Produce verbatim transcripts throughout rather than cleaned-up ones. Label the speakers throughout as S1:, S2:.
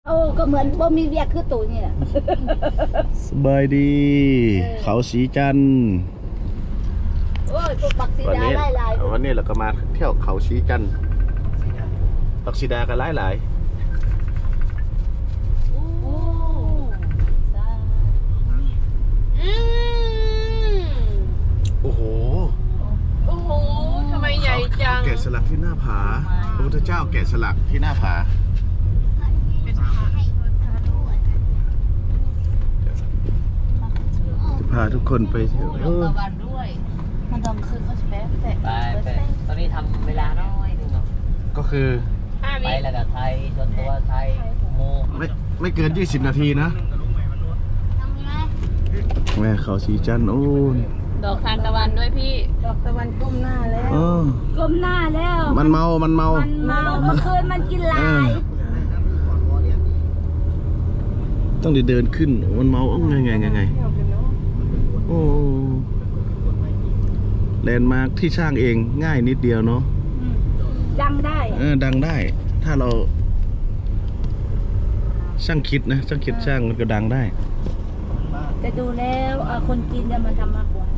S1: โอ้ก็เหมือนบ่มีเวียกคือตู่นี่แหละ
S2: สบายดี เขาสีจันทร์
S1: โอ้ยพวกปักสีดาไล่ลาย
S2: วันนี้เราก็มาเที่ยวเขาสีจันทร์ปักสีดากันหลายหลายโอ้โห
S3: โอ้โหทำไมใหญ่จัง
S2: แกะสลักที่หน้าผาพระพุทธเจ้าแกะสลักที่หน้าผาพาทุกคนไปเที่ยว
S3: ลงตะวันด้วยมันต้องคืนเขาจะแป๊บแต่
S4: ไปไปตอนนี้ทำเวลาน้อยนึงเนาะ
S2: ก็คือ
S4: ไปแล้วก็ไทยส่วนตัวไทยโม
S2: ไม่ไม่เกินยี่สิบนาทีนะแม่เขาสีจันทร์โอ้
S3: ดอกทานตะวันด้วยพี่ดอกตะวันก้มหน้าแล้ว
S1: ก้มหน้าแล้ว
S2: มันเมามันเมา
S1: มันเมาเมื่อคืนมันกินลาย
S2: ต้องเดินขึ้นมันเมาไงไงไงไงโอ้แลนด์มาร์คที่สร้างเองง่ายนิดเดียวเนาะ
S1: ดังได้
S2: เออดังได้ถ้าเราช่างคิดนะช่างคิดช่างมันก็ดังได้
S1: แต่ดูแล้วคนจีนจะมาทำมากกว่า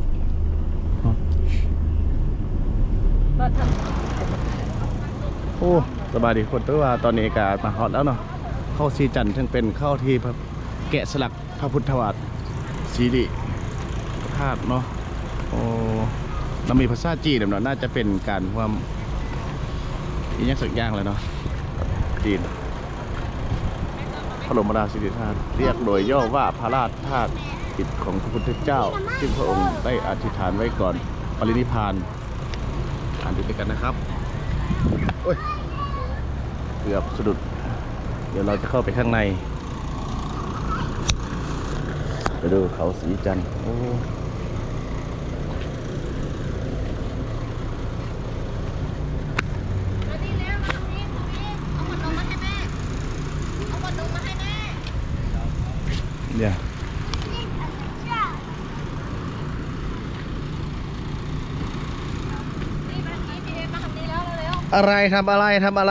S1: มาท
S2: ำโอ้สบายดีคนตัวว่าตอนนี้อากาศมาฮอตแล้วเนาะเข้าสีจันทร์ทั้งเป็นเข้าที่แกะสลักพระพุทธวาทสีดิธาตุเนาะโอ้เรามีภาษาจีนเนาะน่าจะเป็นการความอีกอย่างสักอย่างเลยเนาะจีนพระบรมราชินีธาตุเรียกโดยย่อว่าพระราชธาตุกิจของพระพุทธเจ้าซึ่งพระองค์ได้อธิษฐานไว้ก่อนปรินิพพานอ่านด้วยกันนะครับโอ้ยเกือบสะดุดเดี๋ยวเราจะเข้าไปข้างในไปดูเขาสีจันทร์โอ้เนี่ยอะไรทำอะไรทำอะไร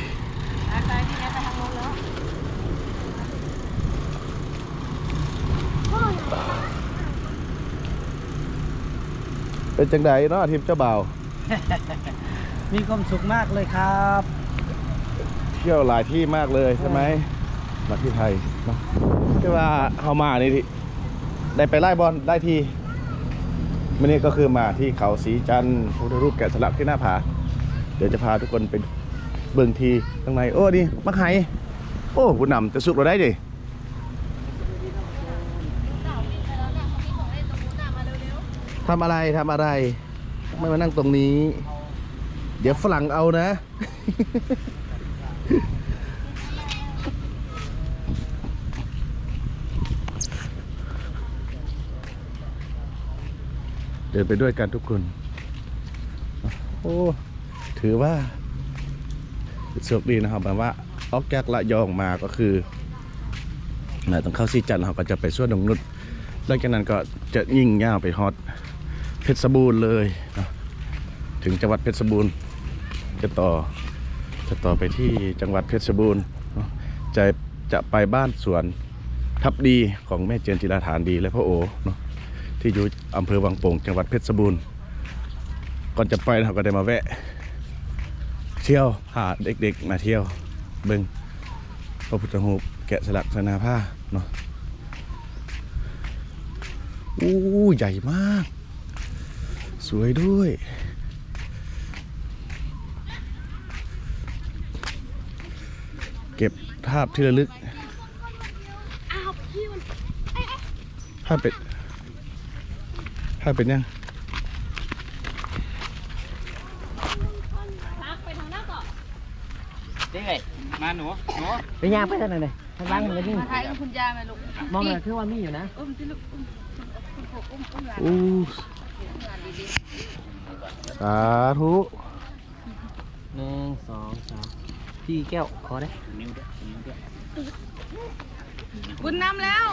S2: เป็นจังไดเนาะทีมเจ้าบ่าว
S4: มีความสุขมากเลยครับ
S2: เที่ยวหลายที่มากเลยใช่ไหมมาที่ไทยเนาะที่ว่าเขามานี่ได้ไปไล่บอลได้ทีวันนี้ก็คือมาที่เขาสีจันทร์พระพุทธรูปแกะสลักที่หน้าผาเดี๋ยวจะพาทุกคนไปเบิ่งทีข้างในโอ้ดิมักไห่โอ้ผู้นำจะสุกเราได้ดิทำอะไรทำอะไรไม่มานั่งตรงนี้เดี๋ยวฝรั่งเอานะเดินไปด้วยกันทุกคนโอ้ถือว่าโชคดีนะครับแบบว่าออกจากละยองมาก็คือต้องเข้าสีจันทร์เราก็จะไปสวนนงนุชหลังจากนั้นก็จะยิ่งย่าวไปฮอตเพชรบูรณ์เลยนะถึงจังหวัดเพชรบูรณ์จะต่อจะต่อไปที่จังหวัดเพชรบูรณ์จะจะไปบ้านสวนทับดีของแม่เจนจิราฐานดีและพ่อโอเนาะที่อยู่อำเภอวังโป่งจังหวัดเพชรบูรณ์ก่อนจะไปเราก็ได้มาแวะเที่ยวหาเด็กๆมาเที่ยวเบิ่งพระพุทธรูปแกะสลักสนาผ้าเนาะอู้ใหญ่มากสวยด้วยเก็บภาพที่ระลึกภาพเป็นภาพเป็นยัง
S4: นี่ไงมาหนูหนู
S3: ไปย่างไปทางไหนเลยทางล่างมันนี่
S1: ถ่ายกับคุณยายไหมลูก
S3: มองเลยคือว่ามีอยู่นะ
S1: อุ้มที่ลูกอุ้มอุ้มอุ้มหลาน
S2: อู้สาธุ
S4: หนึ่งสองสามพี่แก้วขอได้นิ้วด้วยนิ้วด้วย
S1: บุญนำแล้ว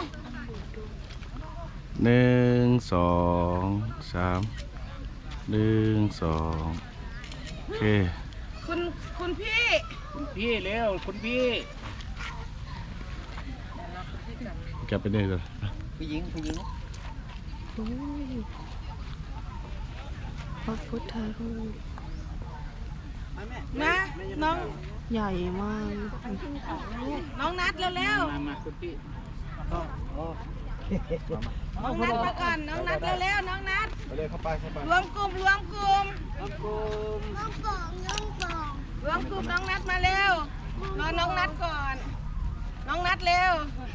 S2: หนึ่งสองสามหนึ่งสองโอเค
S1: คุณคุณพี่
S4: คุณพี่เร็วคุณพี่
S2: กลับไปเดินก่อน
S4: ผู้หญิงผู้หญิง
S3: พระพุทธรูป
S5: นะน้อง
S3: ใหญ่มาก
S5: น้องนัดเร็ว
S4: มามาคุณพี่
S5: ๆน้องนัดมาก่อนน้องนัดเร็วๆน้องนัด
S2: ไปเลยเข้าไปเข้าไป
S5: รวมกลุ่มรวมกลุ่ม
S4: กลม
S5: รวมกลุ่มน้องนัดมาเร็วรอน้องนัดก่อน น้องนัดเร็ว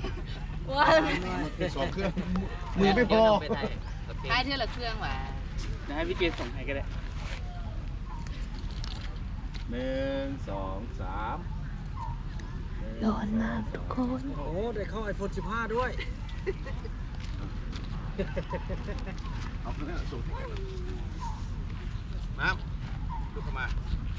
S2: สองเครื่องมือไม่พอ
S3: ท้ายเท่าละเครื่องว่ะ
S4: จะให้พี่เจส่งให้ก็ได้
S2: หนึ่งสองสาม
S3: ร้อนมากทุกคน
S4: โอ้ได้เข้าไอโฟนสิบห้าด้วย
S2: เอาเครื่องส่งที่กันมาลุกเข้ามา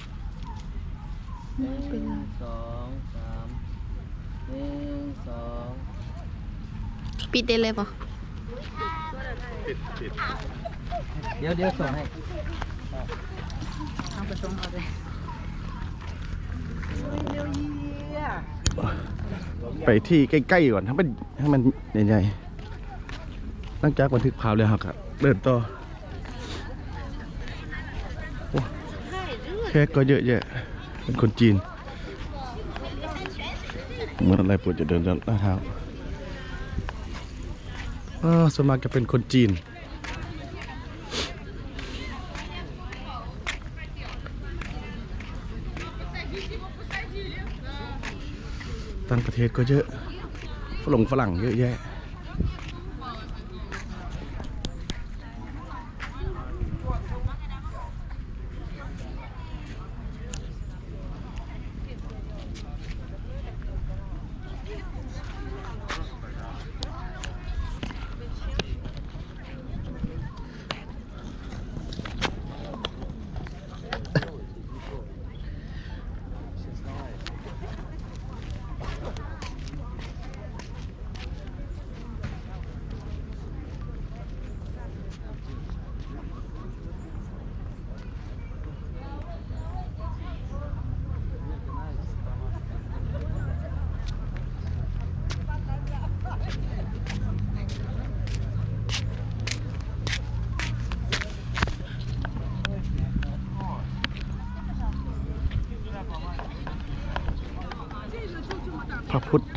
S4: หนึ่งสองสามหนึ่งสอง
S3: ปิดได้เลยป่ะ
S2: ปิดปิด
S4: เดี๋ยวเดี๋ยวส่งให้
S3: เอาไปส่งเอาเลย
S2: ไปที่ใกล้ๆก่อนให้มันให้มันใหญ่ๆหลังจากบันทึกภาพแล้วครับเดินต่อโอ้แขกก็เยอะแยะเป็นคนจีนเหมือนอะไรปวดจะเดินจนหน้าเท้าอ๋อส่วนมากจะเป็นคนจีนต่างประเทศก็เยอะฝรั่งฝรั่งเยอะแยะพระพุทธ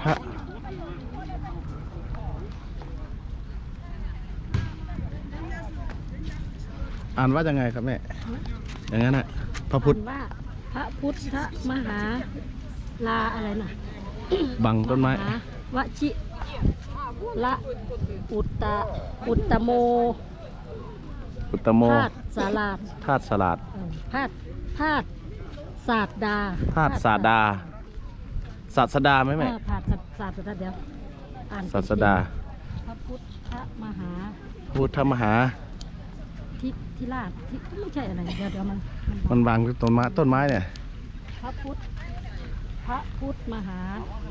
S2: อ่านว่ายังไงครับแม่อย่างนั้นน่ะพระพุทธ
S1: ว่าพระพุทธมหาลาอะไรนะ
S2: บังต้นไม้
S1: มหาวชิละอุตตะอุตตโม
S2: อุตตโม
S1: ธาตุสาลาด
S2: ธาตุสลัด
S1: เออธาตุธาตุศาสดา
S2: ธาตุศาสดาศาสดาไหม
S1: เอ
S2: แม่
S1: อธาตุศาสดาเดี๋ยวอ่าน
S2: ศาสดา
S1: พระพุทธมหา
S2: พุทธมหา
S1: ทิทิราชทิไม่ใช่อะไรเดี๋ยวเดี๋ยวมันมัน
S2: มันวางต้นไม้ต้นไม้เนี่ย
S1: พระพุทธพระพุทธมหา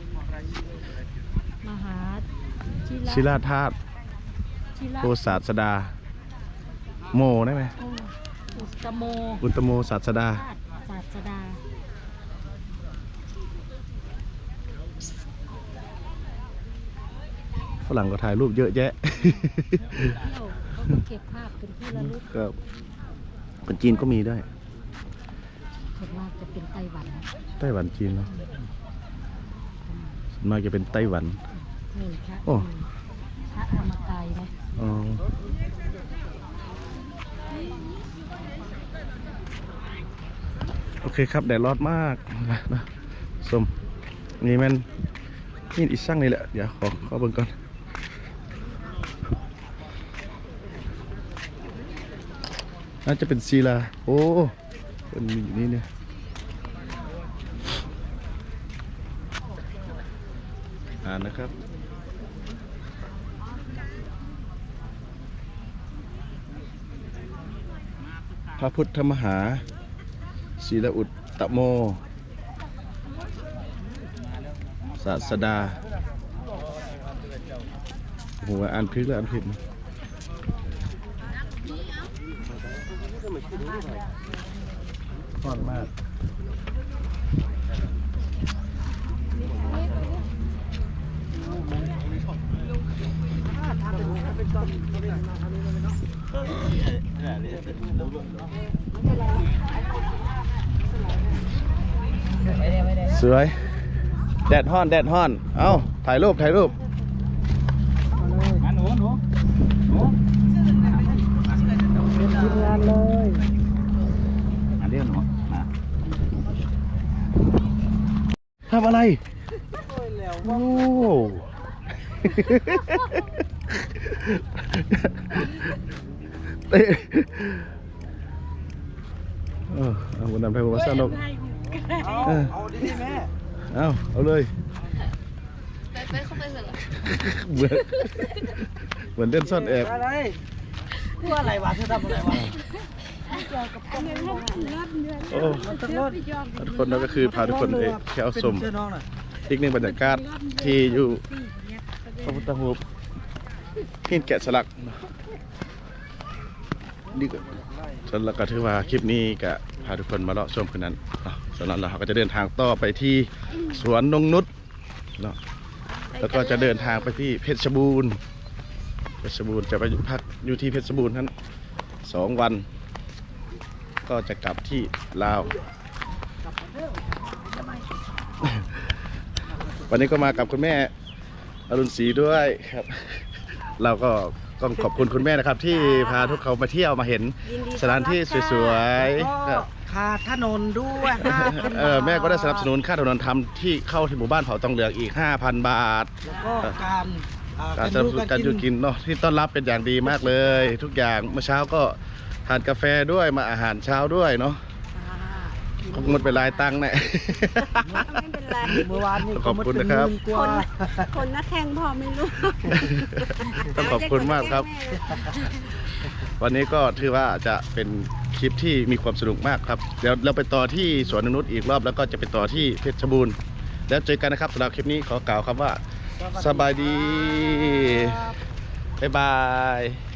S1: มหาชิ
S2: ศิลาธาตุ
S1: ชิระ
S2: โอศาสดา โมได้ไหม
S1: โอ้อุตตโม
S2: อุตตโมศาสดา
S1: ธาตุศาสดา
S2: ฝรั่งก็ถ่ายรูปเยอะแยะ
S1: เที่ยวเขาก็เก็บภาพเป็นที่ระลึก
S2: ครับคนจีนก็มีด้วย
S1: ส่วนมากจะเป็นไต้หวัน
S2: ไต้หวันจีนเนาะส่วนมากจะเป็นไต้หวัน
S1: นี่พระ
S2: โอ้
S1: พระธรรมกายนะ
S2: อ๋อโอเคครับแดดร้อนมากนะนะสมนี่มันนี่อีกสั่งนี่แหละเดี๋ยวขอขอเบิ่งก่อนน่าจะเป็นศิลาโอ้เป็นมีอยู่นี่เนี่ยอ่านนะครับพระพุทธมหาศีลอุตตโมศาสดาโอ้โหอ่านผิดแล้วอ่านผิดนะร้อนมากสวยแดดฮ้อนแดดฮ้อนเอ้าถ่ายรูปถ่ายรูป
S4: มาหนูหนูหนูเป็นทีมงานเลยอันเดียวหนูมา
S2: ทำอะไรโอ้เตะเออเอาวันนั้นไปวันสนุก
S4: เอาเอาดิแม่
S2: เอาเอาเลย
S3: ไปไปเข้าไปเถอะ
S2: เหมือนเหมือนเล่นซ่อนแอบ
S4: อะไรกูอะไรวะเธอทำอะไรวะ
S2: โอ้ทุกคนเราก็คือพาทุกคนไปเที่ยวชม
S4: เชื่อน้องหน่อย
S2: อีกหนึ่งบรรยากาศที่อยู่พระพุทธรูปหินแกะสลักนี่ก็สำหรับก็ถือว่าคลิปนี้ก็พาทุกคนมาเลาะชมคืนนั้นเนาะสำหรับเราก็จะเดินทางต่อไปที่สวนนงนุชเนาะแล้วก็จะเดินทางไปที่เพชรบูรณ์เพชรบูรณ์จะไปพักอยู่ที่เพชรบูรณ์นั้นสองวัน ก็จะกลับที่ลาว วันนี้ก็มากับคุณแม่อรุณศรีด้วยครับ เราก็ต้องขอบคุณคุณแม่นะครับ ที่พาทุกเขามาเที่ยวมาเห็นสถานที่สวยๆครับ
S4: ค่าถนนด้วยห้าพัน
S2: เออแม่ก็ได้สนับสนุนค่าถนนทำที่เข้าที่หมู่บ้านเผาตองเหลืองอีก ห้าพัน บาท
S4: แล้วก็การอ่า
S2: การสนับสนุนการอยู่กินเนาะที่ต้อนรับเป็นอย่างดีมากเลย ทุกอย่างเมื่อเช้าก็ทานกาแฟด้วยมาอาหารเช้าด้วยเนาะคงหมดไปหลายตังค์แน่
S1: ไม่เป็นไร
S4: เมื่อวานนี่
S2: ขอบคุณนะครับ
S4: หมื่กว่า
S1: คนนักแข่งพอไม่รู้
S2: ต้องขอบคุณมากครับ วันนี้ก็ถือว่าจะเป็นคลิปที่มีความสนุกมากครับเดี๋ยวเราไปต่อที่สวนนงนุชอีกรอบแล้วก็จะไปต่อที่เพชรบูรณ์แล้วเจอกันนะครับสำหรับคลิปนี้ขอกล่าวคำว่าสบายดีบ๊ายบาย